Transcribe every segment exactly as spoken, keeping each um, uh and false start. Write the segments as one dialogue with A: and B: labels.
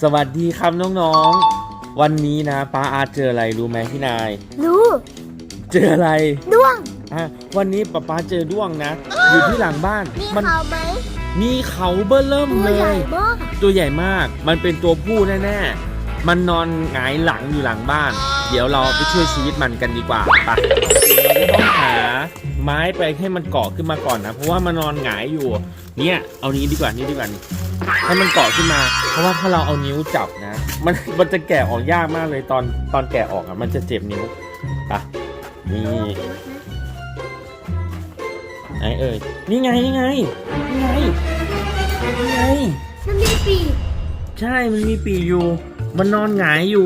A: สวัสดีครับน้องๆวันนี้นะป้าอาเจออะไรรู้ไหมพี่นาย
B: รู้
A: เจออะไร
B: ด้วง
A: อ่ะวันนี้ป้าป้าเจอด้วงนะอยู่ที่หลังบ้าน
B: มีเขาไหม
A: มีเขาเบ้อเริ่มเลยตัวใหญ่มากมันเป็นตัวผู้แน่ๆมันนอนหงายหลังอยู่หลังบ้านเดี๋ยวเราไปช่วยชีวิตมันกันดีกว่าไปเราต้องหาไม้ไปให้มันเกาะขึ้นมาก่อนนะเพราะว่ามันนอนหงายอยู่เนี่ยเอานี้ดีกว่านี้ดีกว่านี่ให้มันเกาะขึ้นมาเพราะว่าถ้าเราเอานิ้วจับนะมันมันจะแกะออกยากมากเลยตอนตอนแกะออกอ่ะมันจะเจ็บนิ้วอ่ะนี่ไหนเอ่ยนี่ไงนี่ไงนี่ไงนี่ไง
B: มันมีปีก
A: ใช่มันมีปีกอยู่มันนอนหงายอยู่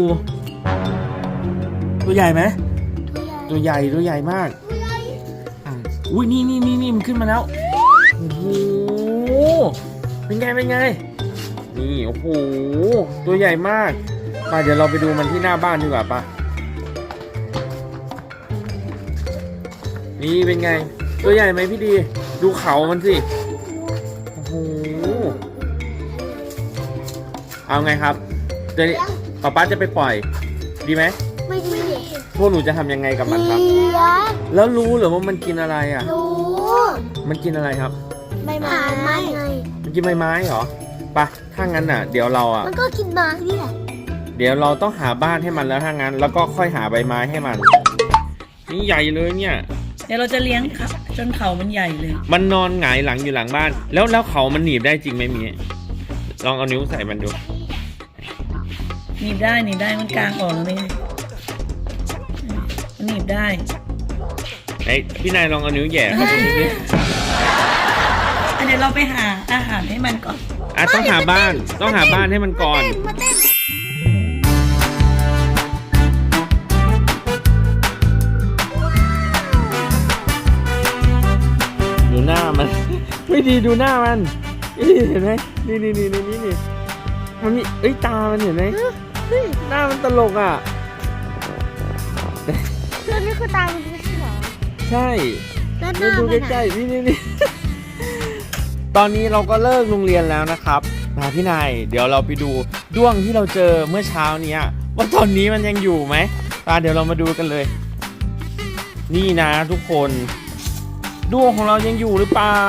A: ตัวใหญ่ไหมตัวใหญ่ตัวใหญ่มากอุ้ยนี่นี่นี่นี่มันขึ้นมาแล้วโอ้โหเป็นไงเป็นไงนี่โอ้โหตัวใหญ่มากไปเดี๋ยวเราไปดูมันที่หน้าบ้านดีกว่าปะนี่เป็นไงตัวใหญ่ไหมพี่ดีดูเขามันสิโอ้โหเอาไงครับเดี๋ยวป๊าป๊าจะไปปล่อยดีไหม
B: ไม่ดี
A: พวกหนูจะทำยังไงกับมันครับแล้วรู้หรือว่ามันกินอะไรอ่ะ
B: รู้
A: มันกินอะไรครับ
B: ใบไม้ไง
A: มันกินใบไม้เหรอปะถ้างั้นอ่ะเดี๋ยวเราอ่ะ
B: มันก็กินไม้นี่แหละ
A: เดี๋ยวเราต้องหาบ้านให้มันแล้วถ้างั้นแล้วก็ค่อยหาใบไม้ให้มันนี่ใหญ่เลยเนี่ย
C: เดี๋ยวเราจะเลี้ยงครับจนเขามันใหญ่เลย
A: มันนอนหงายหลังอยู่หลังบ้านแล้วแล้วเขามันหนีบได้จริงไหมมีลองเอานิ้วใส่มันดู
C: หนีบได้หนีบได้มันกลางออกแล้วนี่มันหนีบได้
A: ไอพี่นายลองเอานิ้วแย่เข้าไปดูสิ
C: เดี๋ยวเราไปหาอาหารให้มันก่อน
A: อ่ะต้องหาบ้านต้องหาบ้านให้มันก่อนดูหน้ามันไม่ดีดูหน้ามันนี่เห็นไหมนี่นี่นี่นี่นี่มันมีเอ้ยตามันเห็นไหมหน้ามันตลกอ่ะ
B: คือนี่คือตามันไม่ใช่หรอ
A: ใช่แล้วดูใกล้ๆนี่นี่นี่ตอนนี้เราก็เลิกโรงเรียนแล้วนะครับมาพี่นายเดี๋ยวเราไปดูด้วงที่เราเจอเมื่อเช้านี้ว่าตอนนี้มันยังอยู่ไหมตาเดี๋ยวเรามาดูกันเลยนี่นะทุกคนด้วงของเรายังอยู่หรือเปล่า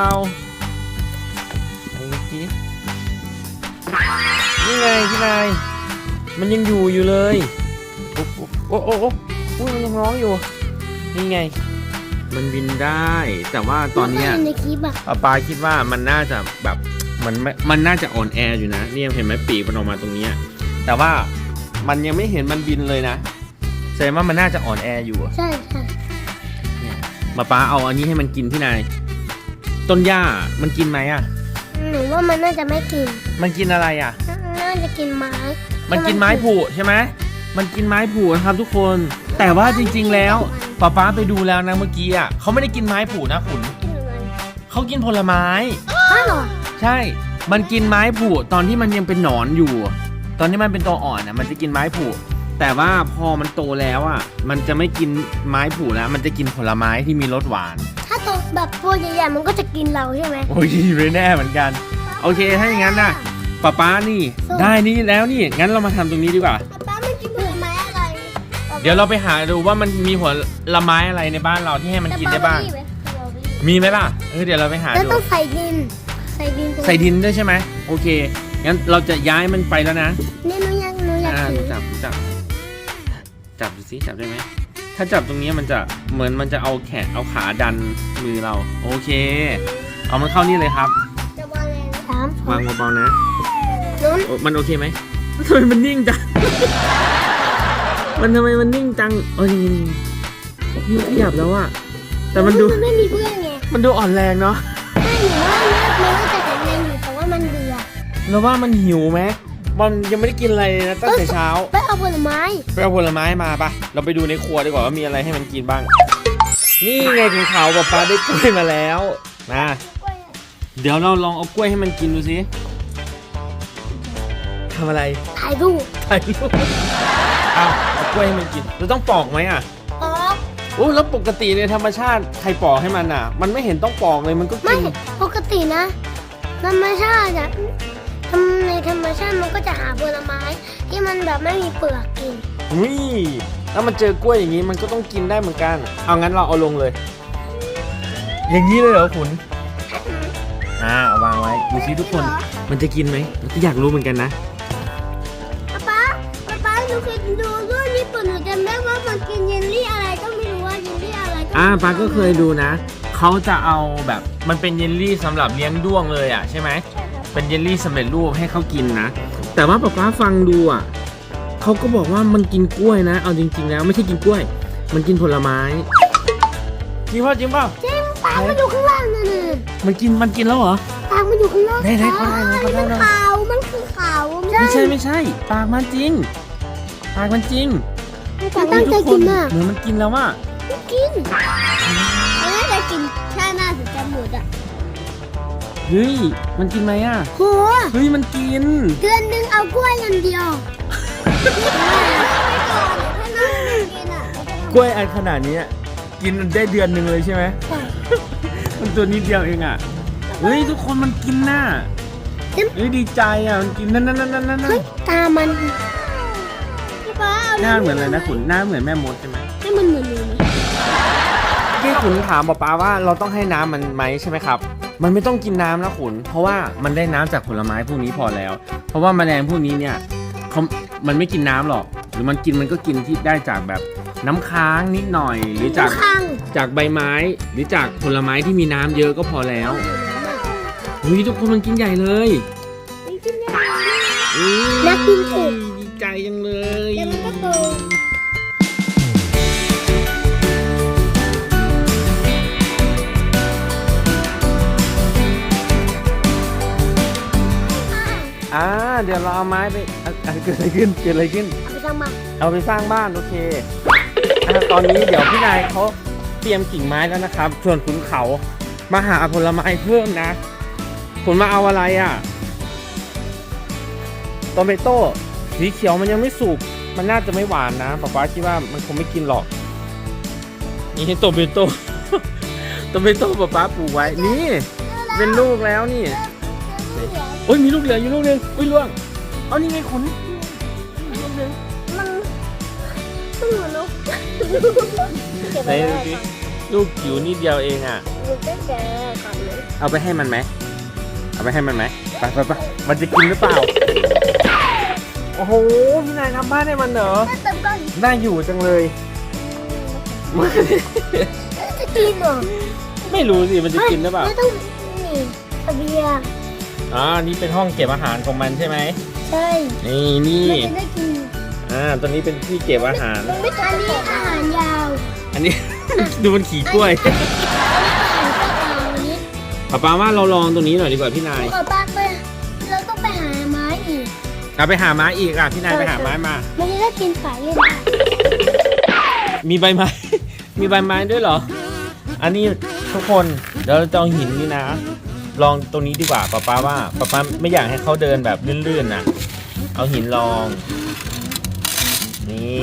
A: นี่ไงพี่นายมันยังอยู่อยู่เลยโอ้โอ้โอ้โอ้มันยังร้องอยู่นี่ไงมันบินได้แต่ว่าตอนนี้ป้าปาคิดว่ามันน่าจะแบบมันมันน่าจะอ่อนแออยู่นะนี่เห็นไหมปีกมันออกมาตรงนี้แต่ว่ามันยังไม่เห็นมันบินเลยนะแสดงว่ามันน่าจะอ่อนแออยู่
B: ใช่ใช่
A: ป้าปาเอาอันนี้ให้มันกินพี่นายต้นหญ้ามันกินไหมอ่ะ
B: หนูว่ามันน่าจะไม่กิน
A: มันกินอะไรอ่ะ
B: น่าจะกินไม้
A: มันกินไม้ผุใช่ไหมมันกินไม้ผุนะครับทุกคนแต่ว่าจริงๆแล้วป้าป้าไปดูแล้วนะเมื่อกี้อ่ะเขาไม่ได้กินไม้ผุนะขุนเขากินผลไม้
B: อ้าวเหรอ
A: ใช่มันกินไม้ผุตอนที่มันยังเป็นหนอนอยู่ตอนที่มันเป็นตัวอ่อนอ่ะมันจะกินไม้ผุแต่ว่าพอมันโตแล้วอ่ะมันจะไม่กินไม้ผุแล้วมันจะกินผลไม้ที่มีรสหวาน
B: ถ้าโตแบบตัวใหญ่ๆมันก็จะกินเราใช่ไหม
A: โอ้ยไม่แน่เหมือนกันโอเคถ้าอย่างนั้นนะป้าป้านี่ได้นี่แล้วนี่งั้นเรามาทำตรงนี้ดีกว่า
B: ป้าไม่กินผลไม้อะไร
A: เดี๋ยวเราไปหาดูว่ามันมีผลไม้อะไรในบ้านเราที่ให้มันกินได้บ้างมีไหมล่ะเออเดี๋ยวเราไปหาดู
B: แล้วต้องใส่ดินใส่ดิน
A: ใส่ดินด้วยใช่ไหมโอเคงั้นเราจะย้ายมันไปแล้วนะ
B: นี่หนูอยากหนูอยาก
A: จับจับจับดูสิจับได้ไหมถ้าจับตรงนี้มันจะเหมือนมันจะเอาแขนเอาขาดันมือเราโอเคเอามันเข้านี่เลยครับวางเบาๆนะมันโอเคไหมทำไมมันนิ่งจัง มันทำไมมันนิ่งจังโอ้ยนี่ขยับแล้วอะแต่มันดู
B: มันไม่มีเพื่อนไง
A: มันดูอ่อนแรงเนาะ
B: ใช่หนูว่ามันน่าจะแข็งแรงอยู่แต่ว่ามันเบื่อ
A: แล้วว่ามันหิวไหมมันยังไม่ได้กินอะไรนะตั้งแต่เช้า
B: ไปเอาผลไม้
A: ไปเอาผลไม้มาปะเราไปดูในครัวดีกว่าว่ามีอะไรให้มันกินบ้างนี่ไงของเขาป๊าป๊าได้กล้วยมาแล้วนะเดี๋ยวเราลองเอากล้วยให้มันกินดูสิทำอะไร
B: ถ่ายรูป
A: ถ่ายรูปเอาเอากล้วยให้มันกินเราต้องปอกไหมอ่ะ
B: ปอก
A: โอ้แล้วปกติในธรรมชาติใครปอกให้มันอ่ะมันไม่เห็นต้องปอกเลยมันก็กิน
B: ไม่ปกตินะธรรมชาติอ่ะทำในธรรมชาติมันก็จะหาผลไม้ที่มันแบบไม่มีเปลือกกิน
A: นี่ถ้ามันเจอกล้วยอย่างนี้มันก็ต้องกินได้เหมือนกันเอางั้นเราเอาลงเลย อย่างนี้เลยเหรอขุนอ่าเอาวางไว้ดูสิทุกคนมันจะกินไหมเราก็อยากรู้เหมือนกันนะ
B: ป๊าป๊าป๊าป๊าหนูเคยดูด้วยญี่ปุ่นหนูจำได้ว่ามันกินเยลลี่อะไรก็ไม่รู้ว่าเยลลี่อะไร
A: อ่าปาก็เคยดูนะเขาจะเอาแบบมันเป็นเยลลี่สำหรับเลี้ยงด้วงเลยอ่ะใช่ไหมเป็นเยลลี่สำเร็จรูปให้เขากินนะแต่ว่าป๊าป๊าฟังดูอ่ะเขาก็บอกว่ามันกินกล้วยนะเอาจริงๆแล้วไม่ใช่กินกล้วย มันกินผลไม้จริงเปล่าจริงเปล่า
B: จริงปากมันอยู่ข้างล่างนั่นน่ะ
A: มันกินมันกินแล้วเหรอ
B: ปากมันอยู่ข้างล่าง
A: ไหนๆเขาได้ไหมเขาได้ไหม
B: มันขาวมันคือขาว
A: ไม่ใช่ไม่ใช่ปากมันจริงปากมันจริง
B: แต่ตั้งใจกินมาก
A: เหมือนมันกินแล้วว่า
B: กินมันน่าจะกินแค่หน้าถึงจะหมดอ่ะ
A: เฮ้ยมันกินไหมอ่ะ
B: โห
A: เฮ้ยมันกิน
B: เดือนหนึงเอากล้วยอันเดียวถ้าน้องไม่กินอ่ะ
A: กล้วยอันขนาดนี้อะกินได้เดือนหนึ่งเลยใช่ไหม มันตัวนิดเดียวเองอ่ะเฮ้ยทุกคนมันกินน่ะเฮ้ยดีใจอ่ะมันกินนั่นนั่นนั่นนั่นนั่น
B: เฮ้ยตามันพี่ป้าเอา
A: หน้าเหมือนอะไรนะขุนหน้าเหมือนแม่มดใช่ไหม
B: ให้มันเหมือนหนูไหม
A: ที่ขุนถามป๊าป๊าว่าเราต้องให้น้ำมันไหมใช่ไหมครับ มันไม่ต้องกินน้ำนะขุนเพราะว่ามันได้น้ำจากผลไม้พวกนี้พอแล้ว เพราะว่าแมลงพวกนี้เนี่ยเขามันไม่กินน้ำหรอก หรือมันกินมันก็กินที่ได้จากแบบน้ำค้างนิดหน่อย หรือจาก
B: ข้าง
A: จากใบไม้หรือจากผลไม้ที่มีน้ำเยอะก็พอแล้วอุ้ยทุกคนมันกินใหญ่เลยอุ๊ย
B: นักกินถูก
A: ดีใจจังเลย
B: แล้วมันก็โต
A: อ่าเดี๋ยวเราเอาไม้ไปอ่ะอ่ะเกิดอะไรขึ้นเกิดอะไรขึ้น
B: เอาไปทำมา
A: เอาไปสร้างบ้านโอเคอ่ะตอนนี้เดี๋ยวพี่นายเขาเตรียมกิ่งไม้แล้วนะครับส่วนขุนเขามาหาผลไม้เพิ่มนะขุนมาเอาอะไรอ่ะโตเมโต้สีเขียวมันยังไม่สุกมันน่าจะไม่หวานนะป๊าป๊าคิดว่ามันคงไม่กินหรอกนี่โตเมโต้ โตเมโต้ป๊าป๊าปลูกไว้นี่เป็นลูกแล้วนี่โอ้ยมีลูกเหลืออยู่ลูกนึงอุ้ยล่วงเอานี่ไงขุนลูกนึง
B: มันมันเหมือนนก
A: ไหนดูสิลูกจิ๋วนิดเดียวเองอ่ะ
B: หนูจะแกะก่อนเลย
A: เอาไปให้มันไหมเอาไปให้มันไหมไปไปไปมันจะกินหรือเปล่าโอ้โหพี่นายทำบ้านให้มันเหรอ
B: ถ้าเติมก้อน
A: น่าอยู่จังเลย
B: จะกินเหรอ
A: ไม่รู้สิมันจะกินหรือเปล่า
B: ไม่ต้องนี่เสบียง
A: อ่านี่เป็นห้องเก็บอาหารของมันใช่ไหม
B: ใช่
A: นี่นี่
B: มันจะได้กิน
A: อ่าตัวนี้เป็นที่เก็บอาหาร
B: มันไม่อันนี้อาหารยาว
A: อันนี้ ดูมันขี่กล้วย
B: อาหารนี้
A: ป้าป้าว่าเราลองตัวนี้หน่อยดีกว่าพี่นาย
B: ขอป้าไปเราต้องไปหาไม้อีก
A: เอาไปหาไม้อีกอ่ะพี่นายไปหาไม้มา
B: มันจะได้กินสายเล่นได้
A: มีใบไม้ มีใบไม้ด้วยเหรอ อันนี้ทุกคนเดี๋ยวเราจะเอาหินนี่นะ ลองตรงนี้ดีกว่าป๊าป๊าว่าป๊าป๊าไม่อยากให้เขาเดินแบบลื่นๆนะเอาหินลอง นี่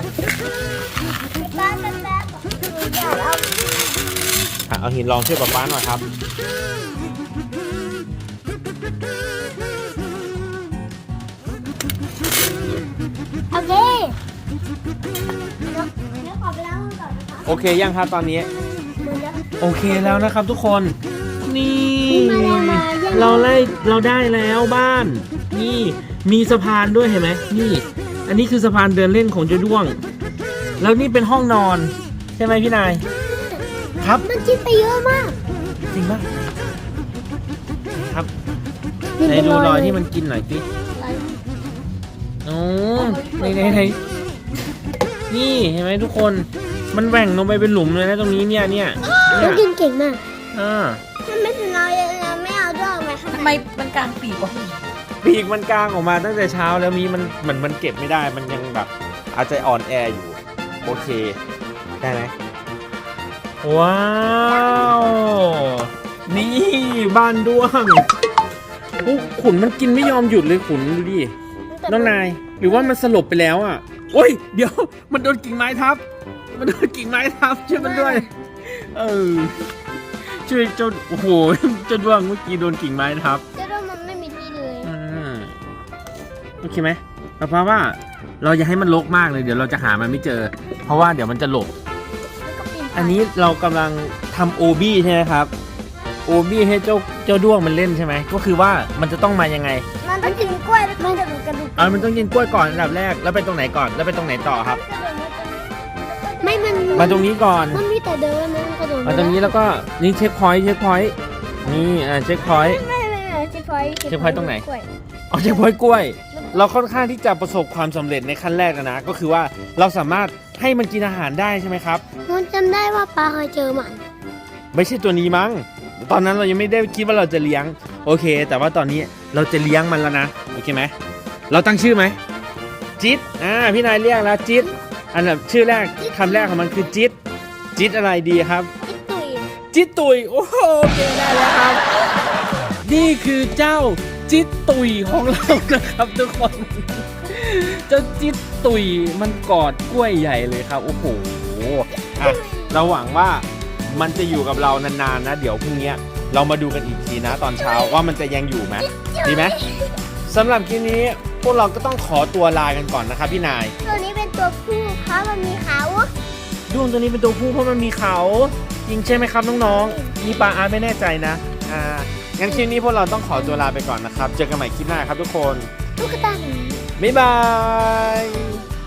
B: ป้าแป๊บแป๊บหนูอยากเอา
A: อ่ะเอาหินลองช่วยป๊าป๊าหน่อยครับ
B: โอเคเดี๋ยวเดี๋ยวขอไปล้างมือก่อนนะคะ
A: โอเคยังครับตอนนี้
B: หมดแล้ว
A: โอเคแล้วนะครับทุกคน นี่
B: มีมาแล้วมายัง
A: เราได้เราได้แล้วบ้าน นี่มีสะพานด้วยเห็นไหมนี่ อันนี้คือสะพานเดินเล่นของเจ้าด้วง แล้วนี่เป็นห้องนอน ใช่ไหมพี่นาย ครับ
B: มันกินไปเยอะมาก
A: จริงปะครับไหนดูรอยที่มันกินหน่อยสิโอ้ไหนไหนไหนนี่เห็นไหมทุกคน มันแหว่งลงไปเป็นหลุมเลยนะตรงนี้เนี่ยเนี่ยเนี่
B: มัน
A: ย
B: กินเก่งมาก
A: อ่า
B: มันไม่ถึงเรายังไม่เอาด้วยไหมคะ
C: ทำไมมันกลางปีกวะ
A: ปีกมันกลางออกมาตั้งแต่เช้าแล้วมีมันเหมือนมันเก็บไม่ได้มันยังแบบอาจจะอ่อนแออยู่โอเคได้ไหมว้าวนี่บ้านด้วงโอ้ขุนมันกินไม่ยอมหยุดเลยขุนดูดิน้องนายหรือว่ามันสลบไปแล้วอ่ะโอ้ยเดี๋ยวมันโดนกิ่งไม้ทับมันโดนกิ่งไม้ทับช่วยมันด้วยเออช่วยเจ้าโอ้โหเจ้าด้วงเมื่อกี้โดนกิ่งไม้ทับ
B: เจ้าด้วงมันไม่มีที่เลย
A: อืมโอเคไหมเพราะว่าเราอย่าให้มันรกมากเลยเดี๋ยวเราจะหามันไม่เจอ เพราะว่าเดี๋ยวมันจะหลบ
B: แล้วก็ปีน
A: อันนี้เรากำลังทำโอบี้ใช่ไหมครับโอบี้ให้เจ้าเจ้าด้วงมันเล่นใช่ไหมก็คือว่ามันจะต้องมายังไง
B: มันต้องกินกล้วยแล้วก็กระดูกกระดูก
A: อ่ามันต้องกินกล้วยก่อนอันดับแรกแล้วไปตรงไหนก่อนแล้วไปตรงไหนต่อครับ
B: ไม่มัน
A: มาตรงนี้ก่อน
B: มันมีแต่เดินนะมันกระโดด
A: มาตรงนี้แล้วก็นี่เช็คพอยต์เช็คพอยต์นี่อ่าเช็คพอยต์
B: ไม่ไม่ไม่เช็คพอยต์
A: เช็คพอยต์ตรงไหน
B: กล้วย
A: อ๋อเช็คพอยต์กล้วย เราค่อนข้างที่จะประสบความสำเร็จในขั้นแรกแล้วนะ ก็คือว่าเราสามารถให้มันกินอาหารได้ใช่ไหมครับ
B: มันจำได้ว่าปลาเคยเจอมัน
A: ไม่ใช่ตัวนี้มั้งตอนนั้นเรายังไม่ได้คิดว่าเราจะเลี้ยงโอเค แต่ว่าตอนนี้เราจะเลี้ยงมันแล้วนะโอเคไหมเราตั้งชื่อไหมจิ๊ดอ่าพี่นายเรียกแล้วจิ๊ดอันดับชื่อแรกคำแรกของมันคือจิ๊ดจิ๊ดอะไรดีครับ
B: จิ๊กตุย
A: จิ๊ดตุยโอ้โหโอเคได้แล้วครับ นี่คือเจ้าจิ๊ดตุยของเรานะครับทุกคน เจ้าจิ๊ดตุยมันกอดกล้วยใหญ่เลยครับโอ้โหอ่ะเราหวังว่ามันจะอยู่กับเรานานๆนะเดี๋ยวพรุ่งนี้เรามาดูกันอีกทีนะตอนเช้าว่ามันจะยังอยู่ไหมดีไหมสำหรับคลิปนี้พวกเราก็ต้องขอตัวลากันก่อนนะครับพี่นาย
B: ตัวนี้เป็นตัวผู้เพราะมันมีเขา
A: ด้วงตัวนี้เป็นตัวผู้เพราะมันมีเขาจริงใช่ไหมครับน้องๆนี่ปลาอาร์ตไม่แน่ใจนะอ่างั้นคลิปนี้พวกเราต้องขอตัวลาไปก่อนนะครับเจอกันใหม่คลิปหน้าครับทุกคน
B: ตุ๊กตาหมี
A: บ๊ายบาย